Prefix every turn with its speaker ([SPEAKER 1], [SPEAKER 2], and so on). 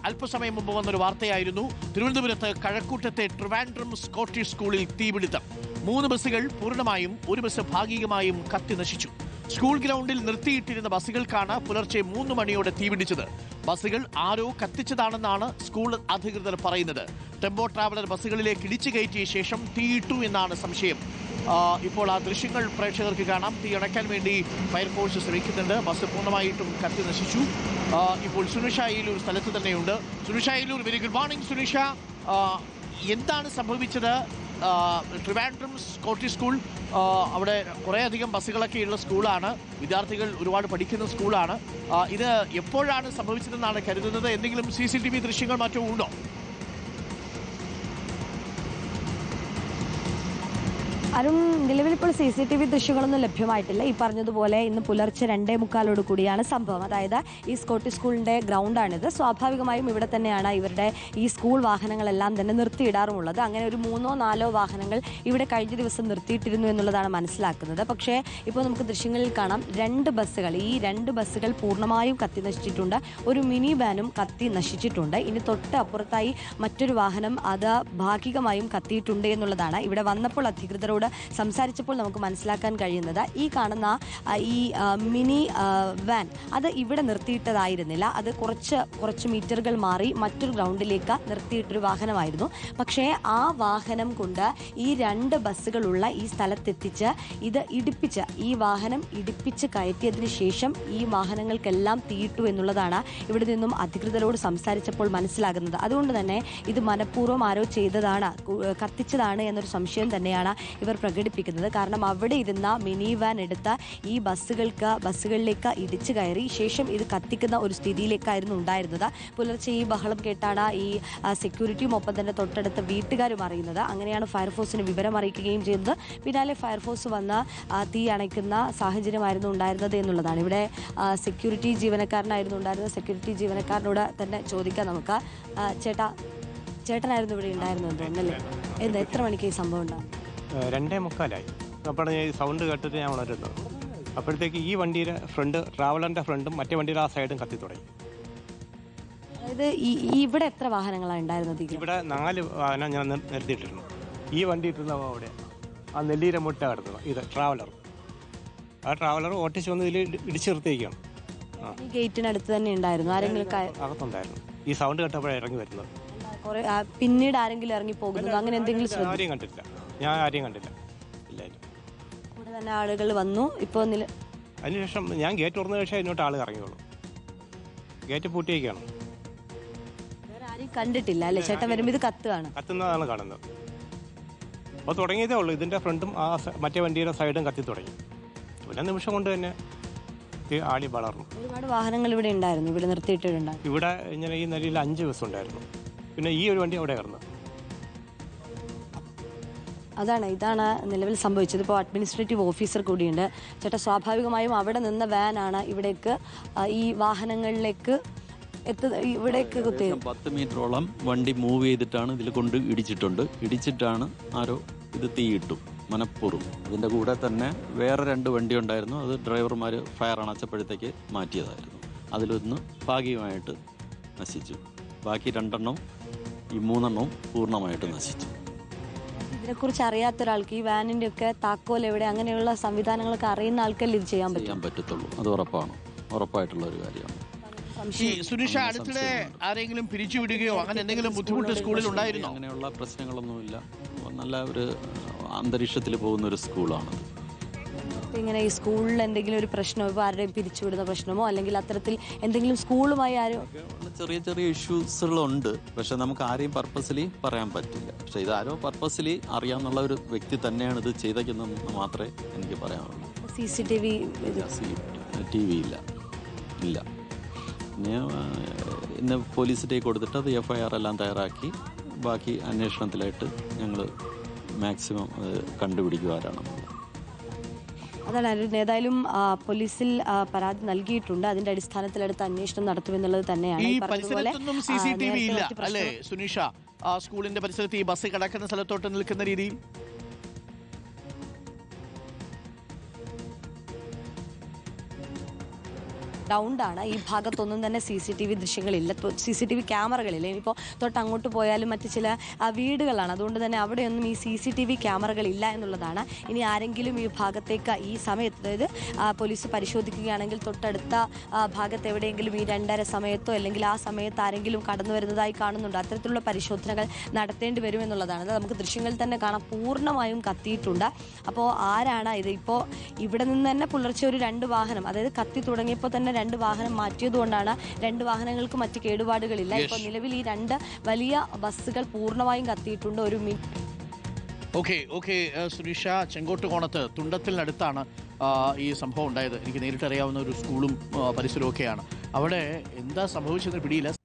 [SPEAKER 1] അല്പസമയം മുമ്പ് വന്നൊരു വാർത്തയായിരുന്നു. തിരുവനന്തപുരത്ത് കഴക്കൂട്ടത്തെ ട്രിവാൻഡ്രം സ്കോട്ടിഷ് സ്കൂളിൽ തീപിടുത്തം. 3 ബസ്സുകൾ പൂർണ്ണമായും, ഒരു ബസ് ഭാഗികമായും കത്തി നശിച്ചു. സ്കൂൾ ഗ്രൗണ്ടിൽ നിർത്തിയിട്ടിരുന്ന ബസ്സുകൾക്കാണ് പുലർച്ചെ 3 മണിയോടെ തീപിടിച്ചത്. ബസ്സുകൾ ആരോ കത്തിച്ചതാണെന്നാണ് സ്കൂൾ അധികൃതർ പറയുന്നത്. ടെമ്പോ ട്രാവലർ ബസ്സുകളിലേക്ക് ഇടിച്ചു കയറ്റിയ ശേഷം തീയിട്ടു എന്നാണ് സംശയം. ഇപ്പോൾ ആ ദൃശ്യങ്ങൾ പ്രേക്ഷകർക്ക് കാണാം. തീ അണയ്ക്കാൻ വേണ്ടി ഫയർഫോഴ്സ് ശ്രമിക്കുന്നുണ്ട്. ബസ് പൂർണ്ണമായിട്ടും കത്തി നശിച്ചു. ഇപ്പോൾ സുനിഷ അയ്യലൂർ സ്ഥലത്ത് തന്നെയുണ്ട്. Sunisha Ayyalur, very good morning Sunisha. എന്താണ് സംഭവിച്ചത്? ട്രിവാൻഡ്രം സ്കോട്ടിഷ് സ്കൂൾ, അവിടെ കുറേയധികം ബസ്സുകളൊക്കെയുള്ള സ്കൂളാണ്, വിദ്യാർത്ഥികൾ ഒരുപാട് പഠിക്കുന്ന സ്കൂളാണ്. ഇത് എപ്പോഴാണ് സംഭവിച്ചതെന്നാണ് കരുതുന്നത്? എന്തെങ്കിലും CCTV ദൃശ്യങ്ങൾ മറ്റോ ഉണ്ടോ?
[SPEAKER 2] അരുൺ, നിലവിൽ ഇപ്പോൾ CCTV ദൃശ്യങ്ങളൊന്നും ലഭ്യമായിട്ടില്ല. ഈ പറഞ്ഞതുപോലെ ഇന്ന് പുലർച്ചെ 2:45 കൂടിയാണ് സംഭവം. അതായത് ഈ സ്കോട്ടിഷ് സ്കൂളിന്റെ ഗ്രൗണ്ടാണിത്. സ്വാഭാവികമായും ഇവിടെ തന്നെയാണ് ഇവരുടെ ഈ സ്കൂൾ വാഹനങ്ങളെല്ലാം തന്നെ നിർത്തിയിടാറുമുള്ളത്. അങ്ങനെ ഒരു 3-4 വാഹനങ്ങൾ ഇവിടെ കഴിഞ്ഞ ദിവസം നിർത്തിയിട്ടിരുന്നു എന്നുള്ളതാണ് മനസ്സിലാക്കുന്നത്. പക്ഷേ ഇപ്പോൾ നമുക്ക് ദൃശ്യങ്ങളിൽ കാണാം 2 ബസ്സുകൾ, ഈ 2 ബസ്സുകൾ പൂർണ്ണമായും കത്തി നശിച്ചിട്ടുണ്ട്. ഒരു മിനി വാനും കത്തി നശിച്ചിട്ടുണ്ട്. ഇനി തൊട്ട് അപ്പുറത്തായി മറ്റൊരു വാഹനം, അത് ഭാഗികമായും കത്തിയിട്ടുണ്ട് എന്നുള്ളതാണ്. ഇവിടെ വന്നപ്പോൾ അധികൃതരോട് സംസാരിച്ചപ്പോൾ നമുക്ക് മനസ്സിലാക്കാൻ കഴിയുന്നത്, ഈ കാണുന്ന ഈ മിനി വാൻ അത് ഇവിടെ നിർത്തിയിട്ടതായിരുന്നില്ല. അത് കുറച്ച് മീറ്ററുകൾ മാറി മറ്റൊരു ഗ്രൗണ്ടിലേക്ക് നിർത്തിയിട്ടൊരു വാഹനമായിരുന്നു. പക്ഷേ ആ വാഹനം കൊണ്ട് ഈ 2 ബസ്സുകളുള്ള ഈ സ്ഥലത്തെത്തിച്ച് ഇത് ഈ വാഹനം ഇടിപ്പിച്ച് കയറ്റിയതിന് ശേഷം ഈ വാഹനങ്ങൾക്കെല്ലാം തീയിട്ടു എന്നുള്ളതാണ് ഇവിടെ നിന്നും അധികൃതരോട് സംസാരിച്ചപ്പോൾ മനസ്സിലാകുന്നത്. അതുകൊണ്ട് തന്നെ ഇത് മനഃപൂർവ്വം ആരോ ചെയ്തതാണ്, കത്തിച്ചതാണ് എന്നൊരു സംശയം തന്നെയാണ് ഇവർ പ്രകടിപ്പിക്കുന്നത്. കാരണം അവിടെ ഇരുന്ന മിനി വാൻ എടുത്ത് ഈ ബസ്സുകളിലേക്ക് ഇടിച്ചു കയറി ശേഷം ഇത് കത്തിക്കുന്ന ഒരു സ്ഥിതിയിലേക്കായിരുന്നു ഉണ്ടായിരുന്നത്. പുലർച്ചെ ഈ ബഹളം കേട്ടാണ് ഈ സെക്യൂരിറ്റിയും ഒപ്പം തന്നെ തൊട്ടടുത്ത വീട്ടുകാരും അറിയുന്നത്. അങ്ങനെയാണ് ഫയർഫോഴ്സിന് വിവരം അറിയിക്കുകയും ചെയ്തത്. പിന്നാലെ ഫയർഫോഴ്സ് വന്ന് തീ അണയ്ക്കുന്ന സാഹചര്യമായിരുന്നു ഉണ്ടായിരുന്നത് എന്നുള്ളതാണ്. ഇവിടെ സെക്യൂരിറ്റി ജീവനക്കാരനായിരുന്നു ഉണ്ടായിരുന്നത്. സെക്യൂരിറ്റി ജീവനക്കാരനോട് തന്നെ ചോദിക്കാം നമുക്ക്. ചേട്ടനായിരുന്നു ഇവിടെ ഉണ്ടായിരുന്നത് തോന്നല്ലേ? എത്ര മണിക്ക് ഈ സംഭവം ഉണ്ടാകും?
[SPEAKER 3] 2:45 അപ്പോൾ ഈ സൗണ്ട് കേട്ടിട്ട് ഞാൻ ഉണരുന്നത്. അപ്പോഴത്തേക്ക് ഈ വണ്ടിയുടെ ഫ്രണ്ട്, ട്രാവലറിൻ്റെ ഫ്രണ്ടും മറ്റേ വണ്ടിയുടെ ആ സൈഡും കത്തി തുടങ്ങി.
[SPEAKER 2] അതായത് ഇവിടെ എത്ര വാഹനങ്ങളാണ് ഉണ്ടായിരുന്നത്? ഇവിടെ
[SPEAKER 3] 4 വാഹനം ഞാൻ നിർത്തിയിട്ടിരുന്നു. ഈ വണ്ടി ഇട്ടിരുന്ന അവിടെ ആ നെല്ലീര മുട്ട കിടന്നത് ഇത് ട്രാവലർ. ആ ട്രാവലർ ഓട്ടിച്ച് വന്ന് ഇതിൽ ഇടിച്ചു നിർത്തിയിരിക്കുകയാണ്.
[SPEAKER 2] ഈ ഗേറ്റിനടുത്ത് തന്നെ ഉണ്ടായിരുന്നു ആരെങ്കിലും?
[SPEAKER 3] അകത്തുണ്ടായിരുന്നു. ഈ സൗണ്ട് കേട്ടപ്പോഴാണ് ഇറങ്ങി വരുന്നത്.
[SPEAKER 2] പിന്നീട് ആരെങ്കിലും ഇറങ്ങി പോകുന്നത് അങ്ങനെ എന്തെങ്കിലും?
[SPEAKER 3] ആരെയും കണ്ടില്ല, ഞാൻ ആരെയും കണ്ടില്ല. ഇല്ലായിരുന്നു.
[SPEAKER 2] ഇവിടെ തന്നെ ആളുകൾ വന്നു. ഇപ്പോൾ
[SPEAKER 3] അതിനുശേഷം ഞാൻ ഗേറ്റ് തുറന്ന ശേഷം ഇങ്ങോട്ട് ആൾ ഇറങ്ങിയോളൂ. ഗേറ്റ് പൂട്ടിയേക്കാണ്.
[SPEAKER 2] ആരെയും കണ്ടിട്ടില്ല അല്ലേ? ചേട്ടൻ വരുമ്പോൾ ഇത്
[SPEAKER 3] കത്തുന്നതാണ് കാണുന്നത്. അപ്പോൾ തുടങ്ങിയതേ ഉള്ളൂ. ഇതിൻ്റെ ഫ്രണ്ടും ആ മറ്റേ വണ്ടിയുടെ സൈഡും കത്തി തുടങ്ങി. ഒരു നിമിഷം കൊണ്ട് തന്നെ ആളി വളർന്നു.
[SPEAKER 2] ഒരുപാട് വാഹനങ്ങൾ ഇവിടെ ഉണ്ടായിരുന്നു, ഇവിടെ നിർത്തിയിട്ടുണ്ടായിരുന്നു.
[SPEAKER 3] ഇവിടെ ഇങ്ങനെ ഈ നിലയിൽ 5 ബസ് ഉണ്ടായിരുന്നു. പിന്നെ ഈ ഒരു വണ്ടി അവിടെ കിടന്നു.
[SPEAKER 2] ഇതാണ് നിലവിൽ സംഭവിച്ചത്. ഇപ്പോൾ അഡ്മിനിസ്ട്രേറ്റീവ് ഓഫീസർ കൂടിയുണ്ട്. ചേട്ടാ, സ്വാഭാവികമായും അവിടെ നിന്ന വാനാണ് ഇവിടേക്ക് ഈ വാഹനങ്ങളിലേക്ക് ഇവിടേക്ക്
[SPEAKER 4] 10 മീറ്ററോളം വണ്ടി മൂവ് ചെയ്തിട്ടാണ് ഇതിൽ കൊണ്ട് ഇടിച്ചിട്ടാണ് ആരോ ഇത് തീയിട്ടു മനഃപൂർവ്വം. ഇതിൻ്റെ കൂടെ തന്നെ വേറെ 2 വണ്ടി ഉണ്ടായിരുന്നു. അത് ഡ്രൈവർമാർ ഫയർ അണച്ചപ്പോഴത്തേക്ക് മാറ്റിയതായിരുന്നു. അതിലൊന്ന് ഭാഗികമായിട്ട് നശിച്ചു. ബാക്കി 2 എണ്ണവും ഈ 3 എണ്ണവും പൂർണ്ണമായിട്ട് നശിച്ചു.
[SPEAKER 2] ഇതിനെക്കുറിച്ച് അറിയാത്ത ഒരാൾക്ക് ഈ വാനിൻ്റെ ഒക്കെ താക്കോൽ എവിടെ, അങ്ങനെയുള്ള സംവിധാനങ്ങളൊക്കെ അറിയുന്ന ആൾക്കല്ലേ ഇത് ചെയ്യാൻ
[SPEAKER 4] പറ്റത്തുള്ളൂ. അത് ഉറപ്പായിട്ടുള്ള ഒരു കാര്യമാണ്.
[SPEAKER 1] സുനിഷ, അടുത്തിടെ ആരെങ്കിലും പിരിച്ചുവിടുകയോ അങ്ങനെ എന്തെങ്കിലും ബുദ്ധിമുട്ട് സ്കൂളിൽ ഉണ്ടായിരുന്നോ?
[SPEAKER 4] അങ്ങനെയുള്ള പ്രശ്നങ്ങളൊന്നുമില്ല. നല്ല ഒരു അന്തരീക്ഷത്തിൽ പോകുന്ന ഒരു സ്കൂളാണ്.
[SPEAKER 2] ഇങ്ങനെ ഈ സ്കൂളിൽ എന്തെങ്കിലും ഒരു പ്രശ്നമോ, ഇപ്പോൾ ആരുടെയും പിരിച്ചുവിടുന്ന പ്രശ്നമോ അല്ലെങ്കിൽ അത്തരത്തിൽ എന്തെങ്കിലും സ്കൂളുമായി ആരും
[SPEAKER 4] ചെറിയ ഇഷ്യൂസുകളുണ്ട്. പക്ഷെ നമുക്ക് ആരെയും പർപ്പസ്ലി പറയാൻ പറ്റില്ല. പക്ഷെ ഇതാരോ പർപ്പസ്ലി അറിയാവുന്ന ഒരു വ്യക്തി തന്നെയാണ് ഇത് ചെയ്തതെന്ന് മാത്രമേ എനിക്ക് പറയാനുള്ളൂ.
[SPEAKER 2] CCTV
[SPEAKER 4] ഇല്ല. ഇന്ന് പോലീസിലേക്ക് കൊടുത്തിട്ട് അത് FIR എല്ലാം തയ്യാറാക്കി ബാക്കി അന്വേഷണത്തിലായിട്ട് ഞങ്ങൾ മാക്സിമം കണ്ടുപിടിക്കും ആരാണെന്നുള്ളത്.
[SPEAKER 2] അതാണ് ഏതായാലും പോലീസിൽ പരാതി നൽകിയിട്ടുണ്ട്. അതിന്റെ അടിസ്ഥാനത്തിൽ അടുത്ത അന്വേഷണം നടത്തുമെന്നുള്ളത് തന്നെയാണ്.
[SPEAKER 1] ഈ പരിസരത്തൊന്നും CCTV ഇല്ല അല്ലേ സുനിഷ? സ്കൂളിന്റെ പരിസരത്ത് ഈ ബസ് കിടക്കുന്ന സ്ഥലത്തോട്ട് നിൽക്കുന്ന രീതിയിൽ
[SPEAKER 2] ഗ്രൗണ്ടാണ്. ഈ ഭാഗത്തൊന്നും തന്നെ CCTV ദൃശ്യങ്ങളില്ല, CCTV ക്യാമറകളില്ല. ഇനിയിപ്പോൾ തൊട്ടങ്ങോട്ട് പോയാലും മറ്റ് ചില വീടുകളാണ്, അതുകൊണ്ട് തന്നെ അവിടെയൊന്നും ഈ CCTV ക്യാമറകളില്ല എന്നുള്ളതാണ്. ഇനി ആരെങ്കിലും ഈ ഭാഗത്തേക്ക് ഈ സമയത്ത്, അതായത് പോലീസ് പരിശോധിക്കുകയാണെങ്കിൽ തൊട്ടടുത്ത ഭാഗത്ത് എവിടെയെങ്കിലും ഈ 2:30 സമയത്തോ അല്ലെങ്കിൽ ആ സമയത്ത് ആരെങ്കിലും കടന്നു വരുന്നതായി കാണുന്നുണ്ട്, അത്തരത്തിലുള്ള പരിശോധനകൾ നടത്തേണ്ടി വരുമെന്നുള്ളതാണ്. അത് നമുക്ക് ദൃശ്യങ്ങളിൽ തന്നെ കാണാം, പൂർണ്ണമായും കത്തിയിട്ടുണ്ട്. അപ്പോൾ ആരാണ് ഇത്? ഇപ്പോൾ ഇവിടെ നിന്ന് തന്നെ പുലർച്ചെ ഒരു 2 വാഹനം, അതായത് കത്തി തുടങ്ങിയപ്പോൾ തന്നെ 2 വാഹനം മാറ്റിയതുകൊണ്ടാണ് 2 വാഹനങ്ങൾക്ക് മറ്റ് കേടുപാടുകളില്ല. ഇപ്പോൾ നിലവിൽ ഈ 2 വലിയ ബസ്സുകൾ പൂർണ്ണമായും കത്തിയിട്ടുണ്ട്.
[SPEAKER 1] ഓക്കെ സുനീഷ, ചെങ്കോട്ടുകോണത്ത് തുണ്ടത്തിനടുത്താണ് ഈ സംഭവം ഉണ്ടായത്. എനിക്ക് നേരിട്ട് അറിയാവുന്ന ഒരു സ്കൂളും പരിസരവും ഒക്കെയാണ്. അവിടെ എന്താ സംഭവിച്ചതെന്ന് പിടിയില്ല.